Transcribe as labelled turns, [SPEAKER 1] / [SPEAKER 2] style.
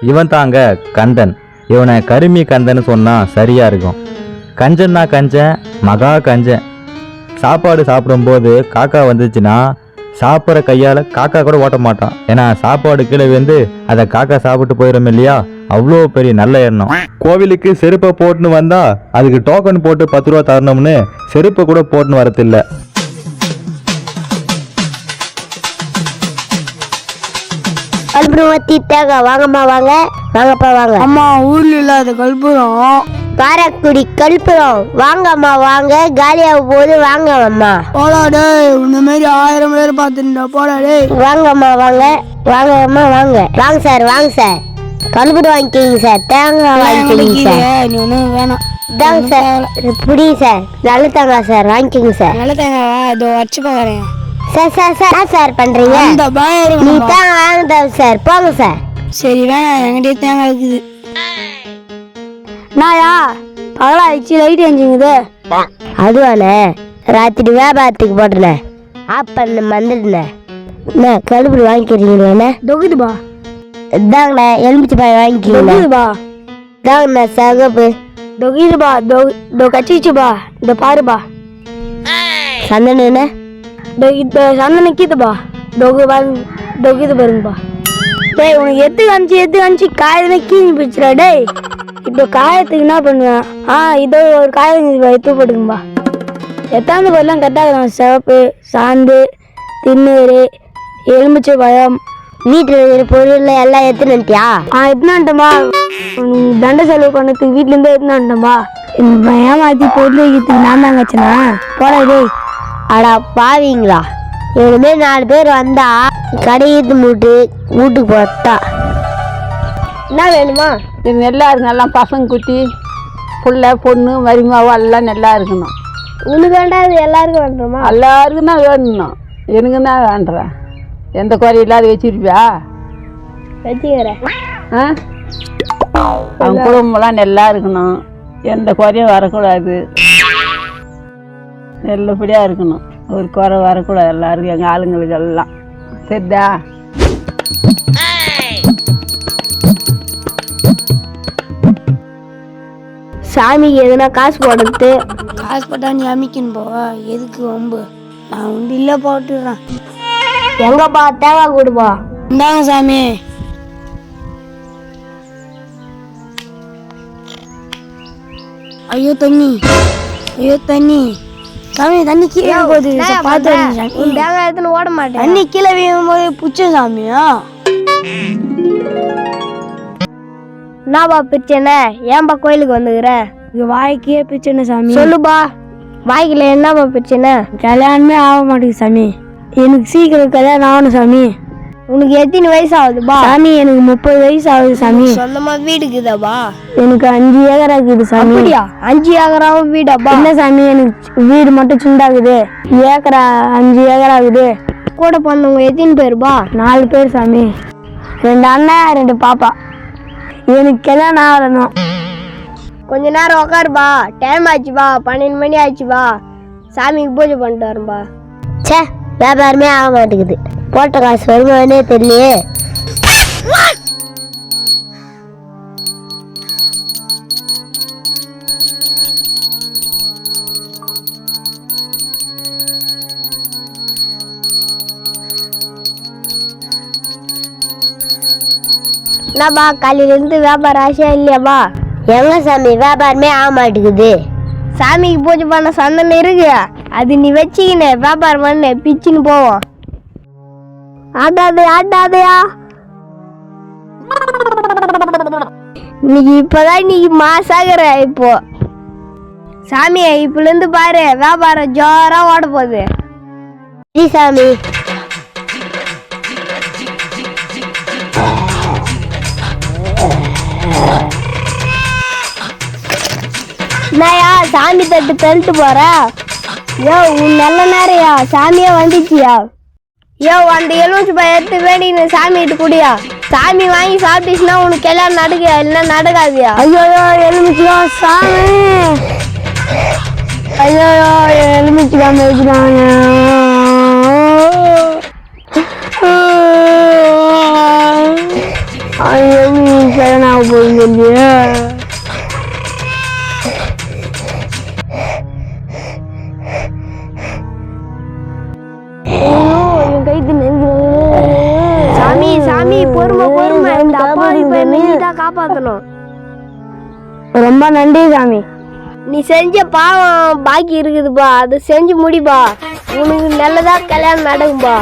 [SPEAKER 1] இவன் தாங்க கந்தன். இவனை கருமி கந்தன்னு சொன்னால் சரியாக இருக்கும். கஞ்சன்னா கஞ்சன், மகா கஞ்சன். சாப்பாடு சாப்பிடும்போது காக்கா வந்துச்சுன்னா சாப்பிட்ற கையால் காக்கா கூட ஓட்ட மாட்டான். ஏன்னா சாப்பாடு கீழே வந்து அதை காக்கா சாப்பிட்டு போயிடும் இல்லையா, அவ்வளோ பெரிய நல்ல எண்ணம். கோவிலுக்கு செருப்பை போட்டுன்னு வந்தா அதுக்கு டோக்கன் போட்டு 10 ரூபா தரணும்னு செருப்பை கூட போட்டுன்னு வரதில்லை.
[SPEAKER 2] கல்பூரம் தீட்டாங்க. வாங்கம்மா வாங்க, வாங்கப்பா வாங்க.
[SPEAKER 3] அம்மா ஊர்ல இல்லாத கல்பூரம்,
[SPEAKER 2] காரக்குடி கல்பூரம். வாங்கம்மா வாங்க, காலியாக போகுது. வாங்க அம்மா.
[SPEAKER 3] போடாடே, இந்த மாதிரி 1000 பேர் பார்த்துட்டா போடாடே.
[SPEAKER 2] வாங்கம்மா வாங்க, வாங்க அம்மா வாங்க. வாங்க சார், வாங்க சார். கல்பூரம் வாங்கிக்கிங்க சார், தேங்காய் வாங்கிக்கிங்க சார்.
[SPEAKER 3] நீ ஒன்றும் வேணாம்.
[SPEAKER 2] தாங்க சார், புடி சார். நல்ல தேங்காய் சார், வாங்கிக்கிங்க சார்.
[SPEAKER 3] நல்ல தேங்காவா? இதோ வச்சு பார்க்குறேன்
[SPEAKER 2] சார். சார் சார் என்ன சார் பண்றீங்க?
[SPEAKER 3] இந்த பயம்
[SPEAKER 2] நீ தேங்காய் வாங்க சார், போங்க சார்.
[SPEAKER 3] சரி வேணாம், என்கிட்டயே தேங்காய் இருக்குது. நாயா பகலாயிடுச்சு, லைட் எஞ்சிங்குது.
[SPEAKER 2] அதுவானே, ராத்திரி வியாபாரத்துக்கு போட்டுனேன், ஆப் பண்ண வந்துடுனேன். என்ன கழுப்புடி வாங்கிக்கிறீங்களே?
[SPEAKER 3] தொகுதுபா.
[SPEAKER 2] இதாங்கண்ணே எலுமிச்சி பாய் வாங்கிக்கிறீங்களா?
[SPEAKER 3] தொகுதுபா.
[SPEAKER 2] இதாங்கண்ணே சகப்பு.
[SPEAKER 3] தொகுதுபா. தோ கச்சிச்சுபா. இந்த பாருபா.
[SPEAKER 2] சந்தனண்ணே
[SPEAKER 3] இந்த சந்தன கீதுபா. தொகுது பாருங்கப்பா. டேய் உனக்கு எத்து காமிச்சு காயதுமே கீஞ்சி போச்சுடா. டேய் இப்போ காயத்துக்கு என்ன பண்ணுவேன்? இதோ ஒரு காயம் எடுத்து போட்டுக்கும்பா. எத்தாந்து பொருள்லாம் கரெக்டாக சிவப்பு, சாந்து, திண்ணூறு, எலுமிச்சை பழம்,
[SPEAKER 2] வீட்டில் இருக்கிற பொருள் எல்லாம் எடுத்துனுட்டியா?
[SPEAKER 3] எடுத்துனான்ட்டம்பா. தண்டை செலவு பண்ணதுக்கு வீட்டிலேருந்து எடுத்துனான்ட்டம்பா. ஏமாத்தி பொருள் வைக்கிறதுக்கு நான் தாங்க வச்சேனா? போடா டேய்.
[SPEAKER 2] அடா பாவீங்களா, இவனுமே 4 பேர் வந்தா கடையீத்து மூட்டு வீட்டுக்கு போட்டா. என்ன வேணுமா?
[SPEAKER 4] இது நல்லா இருக்கு. நல்லா பசங்க குட்டி புள்ள பொண்ணு மருமாவோ எல்லாம் நல்லா இருக்கணும்.
[SPEAKER 2] உனக்கு வேண்டாம், இது எல்லாருக்கும் வேண்டுமா?
[SPEAKER 4] எல்லாருக்கும் தான் வேணும். எனக்கு தான் வேண்டுறேன். எந்த குறை இல்லாத வச்சிருப்பியா?
[SPEAKER 2] வச்சுக்கிறேன்.
[SPEAKER 4] அவங்க குடும்பம்லாம் நல்லா இருக்கணும். எந்த குறையும் வரக்கூடாது. நல்லபடியாக இருக்கணும். ஒரு குறை வரக்கூடாது எல்லாருக்கும், எங்கள் ஆளுங்களுக்கு எல்லாம். சரிதா?
[SPEAKER 2] சாமிக்கு எதுனா காசு போடுறது.
[SPEAKER 3] காசு போட்டா நீ அமைக்கணும் போவா? எதுக்கு வம்பு? நான் உண்டு இல்லை போட்டுடுறேன்.
[SPEAKER 2] எங்கப்பா தேங்காய் கொடுப்பா.
[SPEAKER 3] இந்தாங்க சாமி. ஐயோ தண்ணி, ஐயோ தண்ணி. சாமி தண்ணி கீழே போகுது, பார்த்து சாமி.
[SPEAKER 2] தேங்காய் எடுத்துன்னு ஓட மாட்டேன்.
[SPEAKER 3] தண்ணி கீழே வீழும் போது புச்ச சாமியா?
[SPEAKER 2] என்னப்பா பிரச்சனை? ஏன்பா கோயிலுக்கு வந்துக்கிற?
[SPEAKER 3] இங்க வாய்க்கே பிரச்சனை சாமி.
[SPEAKER 2] சொல்லுப்பா, வாய்க்கில் என்னப்பா பிரச்சனை?
[SPEAKER 3] கல்யாணமே ஆக மாட்டேங்குது சாமி. எனக்கு சீக்கிரம் கல்யாணம் ஆகணும் சாமி.
[SPEAKER 2] உனக்கு எத்தனை வயசு ஆகுதுப்பா?
[SPEAKER 3] சாமி எனக்கு 30 வயசு ஆகுது சாமி.
[SPEAKER 2] சொந்தமா வீடுக்குதாப்பா?
[SPEAKER 3] எனக்கு 5 ஏக்கரா இருக்குது சாமி.
[SPEAKER 2] 5 ஏக்கராவும் வீடாப்பா?
[SPEAKER 3] என்ன சாமி, எனக்கு வீடு மட்டும் சிண்டாகுது, ஏக்கரா 5 ஏக்கரா ஆகுது.
[SPEAKER 2] கூட பிறந்தவங்க எத்தனை பேருப்பா?
[SPEAKER 3] 4 பேர் சாமி. 2 அண்ணன் 2 பாப்பா. எனக்கு கல்யாணம் ஆகணும்.
[SPEAKER 2] கொஞ்ச நேரம் உக்காருப்பா, டைம் ஆச்சுப்பா, 12 மணி ஆச்சுப்பா. சாமிக்கு பூஜை பண்ணிட்டு வரேன்பா. சே, வியாபாரமே ஆக மாட்டேங்குது. போட்ட காசு வருமானே தெரியலையே. என்னப்பா காலையிலேருந்து வியாபாரம் ஆசையா இல்லையாப்பா? எங்க சாமி வியாபாரமே ஆக மாட்டேங்குது. சாமிக்கு பூஜை பண்ண சந்தனம் இருக்கு, அது நீ வச்சுக்கின வியாபாரம் பண்ண பிச்சுன்னு போவோம். ஆட்டாதையா இன்னைக்கு இப்பதான் இன்னைக்கு மாசாகிற. இப்போ சாமியை இப்பல இருந்து பாரு, வியாபாரம் ஜோரா ஓட போகுது. சாமி என்னயா சாமி தட்டு தள்ளிட்டு போற? யோ உன் நல்ல நேரையா, சாமியா வந்துச்சியா? யோ அந்த எலுமிச்சி பழம் எடுத்து வேண்டின்னு சாமி கிட்ட குடியா. சாமி வாங்கி சாப்பிட்டுச்சுன்னா உனக்கு எல்லாம் நடக்குயா, இல்லைன்னா நடக்காதியா?
[SPEAKER 3] ஐயோ எலுமிச்சிக்கா சாமி. ஐயோ எலுமிச்சிக்கா வச்சுக்காங்க. எப்படி சரணாக போகுது இல்லையா? என் கைத்து
[SPEAKER 2] சாமி சாமி பொறுமை பொறுமை, இந்த அப்பாவி பையனை நீ தான் காப்பாற்றணும்.
[SPEAKER 3] ரொம்ப நன்றி சாமி.
[SPEAKER 2] நீ செஞ்ச பாவம் பாக்கி இருக்குதுப்பா, அது செஞ்சு முடிப்பா, உனக்கு நல்லதா கல்யாணம் நடக்கும்பா.